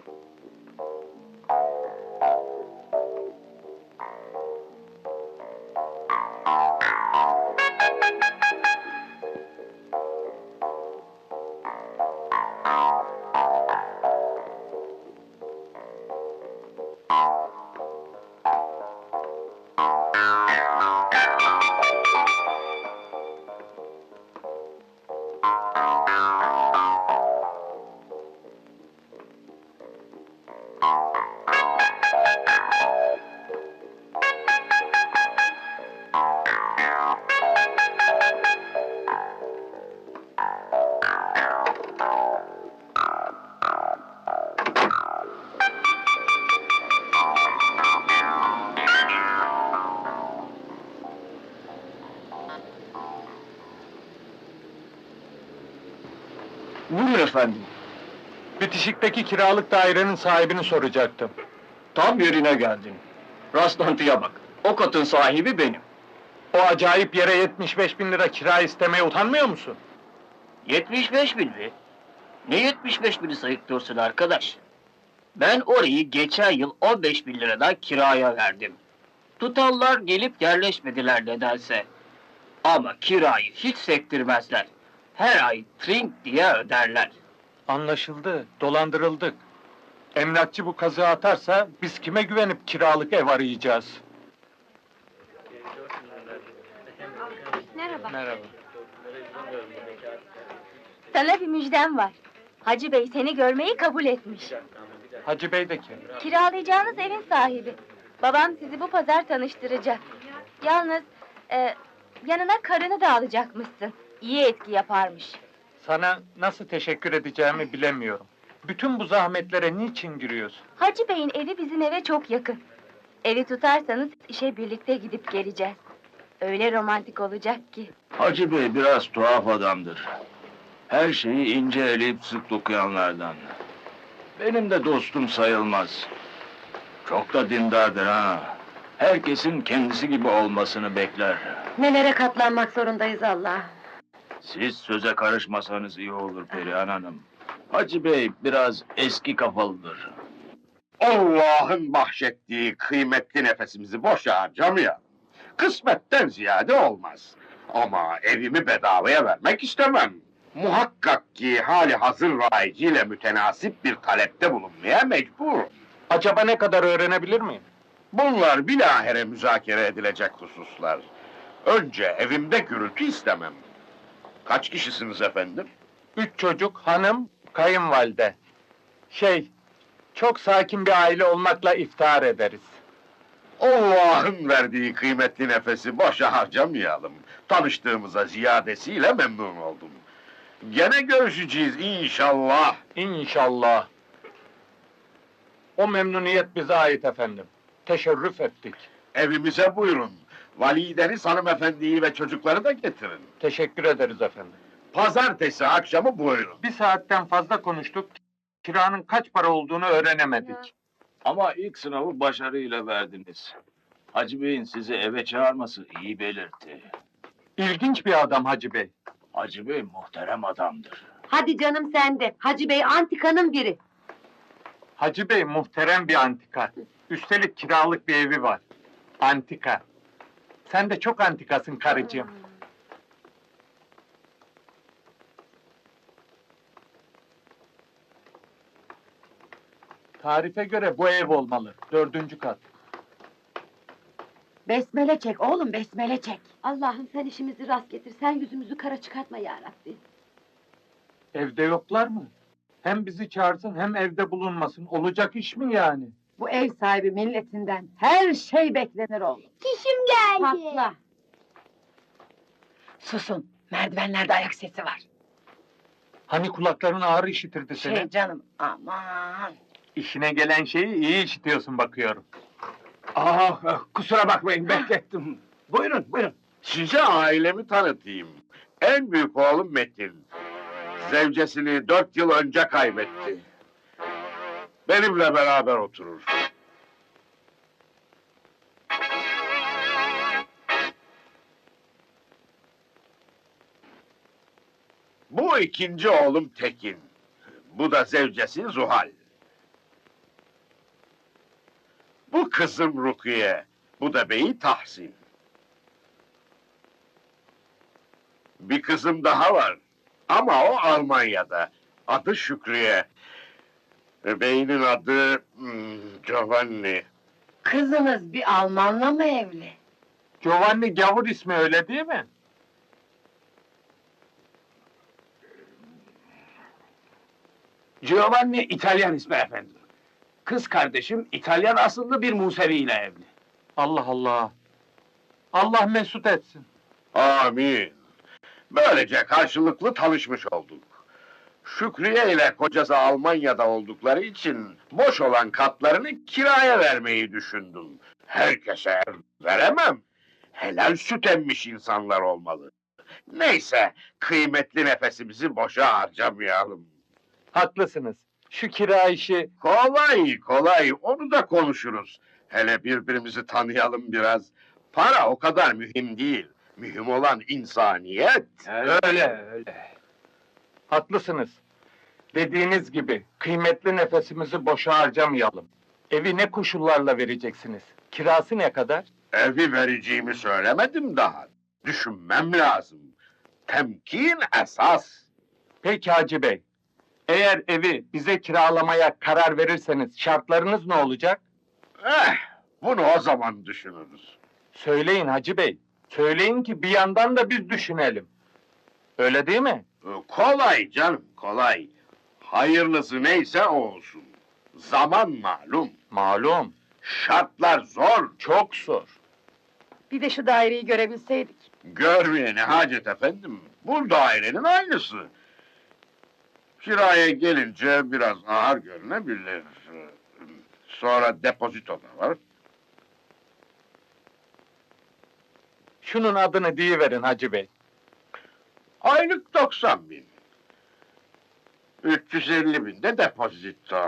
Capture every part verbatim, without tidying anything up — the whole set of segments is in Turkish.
Buyurun efendim. Bitişikteki kiralık dairenin sahibini soracaktım. Tam yerine geldin. Rastlantıya bak. O katın sahibi benim. O acayip yere yetmiş beş bin lira kira istemeye utanmıyor musun? yetmiş beş bin mi? Ne yetmiş beş bini sayıklıyorsun arkadaş? Ben orayı geçen yıl on beş bin liradan kiraya verdim. Tutanlar gelip yerleşmediler nedense. Ama kirayı hiç sektirmezler. Her ay trink diye öderler. Anlaşıldı, dolandırıldık. Emlakçı bu kazığı atarsa biz kime güvenip kiralık ev arayacağız? Merhaba. Merhaba. Sana bir müjdem var. Hacı Bey seni görmeyi kabul etmiş. Hacı Bey de kim? Kiralayacağınız evin sahibi. Babam sizi bu pazar tanıştıracak. Yalnız e, yanına karını da alacakmışsın. İyi etki yaparmış. Sana nasıl teşekkür edeceğimi bilemiyorum. Bütün bu zahmetlere niçin giriyorsun? Hacı Bey'in evi bizim eve çok yakın. Evi tutarsanız işe birlikte gidip geleceğiz. Öyle romantik olacak ki. Hacı Bey biraz tuhaf adamdır. Her şeyi ince eleyip sık dokuyanlardan. Benim de dostum sayılmaz. Çok da dindardır ha. Herkesin kendisi gibi olmasını bekler. Nelere katlanmak zorundayız Allah. Siz söze karışmasanız iyi olur Perihan Hanım. Hacı Bey biraz eski kafalıdır. Allah'ın bahşettiği kıymetli nefesimizi boşa harcamayalım. Kısmetten ziyade olmaz. Ama evimi bedavaya vermek istemem. Muhakkak ki hali hazır rayiciyle mütenasip bir talepte bulunmaya mecburum. Acaba ne kadar öğrenebilir miyim? Bunlar bilahare müzakere edilecek hususlar. Önce evimde gürültü istemem. Kaç kişisiniz efendim? Üç çocuk, hanım, kayınvalide. Şey, çok sakin bir aile olmakla iftihar ederiz. Allah'ın verdiği kıymetli nefesi boşa harcamayalım. Tanıştığımıza ziyadesiyle memnun oldum. Gene görüşeceğiz inşallah. İnşallah. O memnuniyet bize ait efendim. Teşerrüf ettik. Evimize buyurun. Valideniz hanımefendiyi ve çocukları da getirin. Teşekkür ederiz efendim. Pazartesi akşamı buyurun. Bir saatten fazla konuştuk. Kiranın kaç para olduğunu öğrenemedik. Ama ilk sınavı başarıyla verdiniz. Hacı Bey'in sizi eve çağırması iyi belirtti. İlginç bir adam Hacı Bey. Hacı Bey muhterem adamdır. Hadi canım sen de. Hacı Bey antikanın biri. Hacı Bey muhterem bir antika. Üstelik kiralık bir evi var. Antika. Sen de çok antikasın karıcığım. Tarife göre bu ev olmalı. Dördüncü kat. Besmele çek oğlum, besmele çek. Allah'ım sen işimizi rast getir. Sen yüzümüzü kara çıkartma ya Rabbi. Evde yoklar mı? Hem bizi çağırsın hem evde bulunmasın. Olacak iş mi yani? Bu ev sahibi milletinden her şey beklenir oğlum. Çişim geldi. Patla. Susun, merdivenlerde ayak sesi var. Hani kulakların ağır işitirdi seni? Şey canım, aman. İşine gelen şeyi iyi işitiyorsun bakıyorum. Ah, kusura bakmayın beklettim. Buyurun buyurun. Size ailemi tanıtayım. En büyük oğlum Metin. Zevcesini dört yıl önce kaybetti. Benimle beraber oturur. Bu ikinci oğlum Tekin. Bu da zevcesi Zuhal. Bu kızım Rukiye, bu da beyi Tahsin. Bir kızım daha var. Ama o Almanya'da. Adı Şükriye. E, Beyinin adı hmm, Giovanni. Kızınız bir Almanla mı evli? Giovanni gavur ismi öyle değil mi? Giovanni İtalyan ismi efendim. Kız kardeşim İtalyan asıllı bir Musevi ile evli. Allah Allah! Allah mesut etsin. Amin. Böylece karşılıklı tanışmış olduk. Şükriye ile kocası Almanya'da oldukları için boş olan katlarını kiraya vermeyi düşündüm. Herkese veremem. Helal süt emmiş insanlar olmalı. Neyse, kıymetli nefesimizi boşa harcamayalım. Haklısınız. Şu kira işi... Kolay kolay, onu da konuşuruz. Hele birbirimizi tanıyalım biraz. Para o kadar mühim değil. Mühim olan insaniyet. Öyle, öyle. Haklısınız. Dediğiniz gibi, kıymetli nefesimizi boşa harcamayalım. Evi ne koşullarla vereceksiniz? Kirası ne kadar? Evi vereceğimi söylemedim daha. Düşünmem lazım. Temkin esas. Peki Hacı Bey, eğer evi bize kiralamaya karar verirseniz şartlarınız ne olacak? Eh, bunu o zaman düşünürüz. Söyleyin Hacı Bey, söyleyin ki bir yandan da biz düşünelim. Öyle değil mi? Ee, Kolay canım, kolay. Hayırlısı neyse o olsun. Zaman malum. Malum, Şartlar zor. çok zor. Bir de şu daireyi görebilseydik. Görmeye ne hacet efendim. Bu dairenin aynısı. Kiraya gelince biraz ağır görünebilir. Sonra depozito da var. Şunun adını deyiverin Hacı Bey. Aylık doksan bin. üç yüz elli bin de depozito.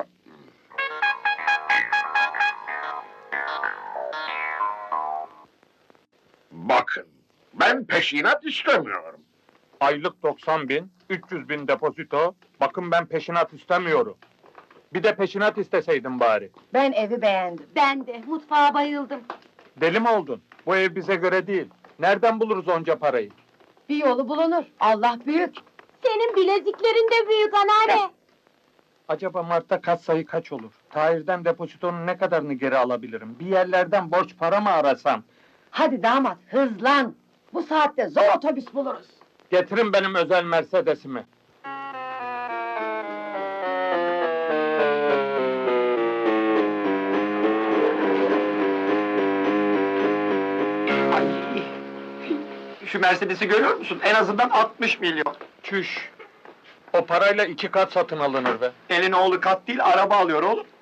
Bakın, ben peşinat istemiyorum. Aylık doksan bin, üç yüz bin depozito. Bakın ben peşinat istemiyorum. Bir de peşinat isteseydim bari. Ben evi beğendim. Ben de, mutfağa bayıldım. Deli mi oldun? Bu ev bize göre değil. Nereden buluruz onca parayı? Bir yolu bulunur. Allah büyük. Senin bileziklerin de büyük anneanne. Acaba Mart'ta kat sayı kaç olur? Tahir'den depozitonun ne kadarını geri alabilirim? Bir yerlerden borç para mı arasam? Hadi damat, hızlan. Bu saatte zor otobüs buluruz. Getirin benim özel Mercedes'imi. Ay, şu Mercedes'i görüyor musun? En azından altmış milyon. Çüş! O parayla iki kat satın alınır be. Elin oğlu kat değil, araba alıyor oğlum.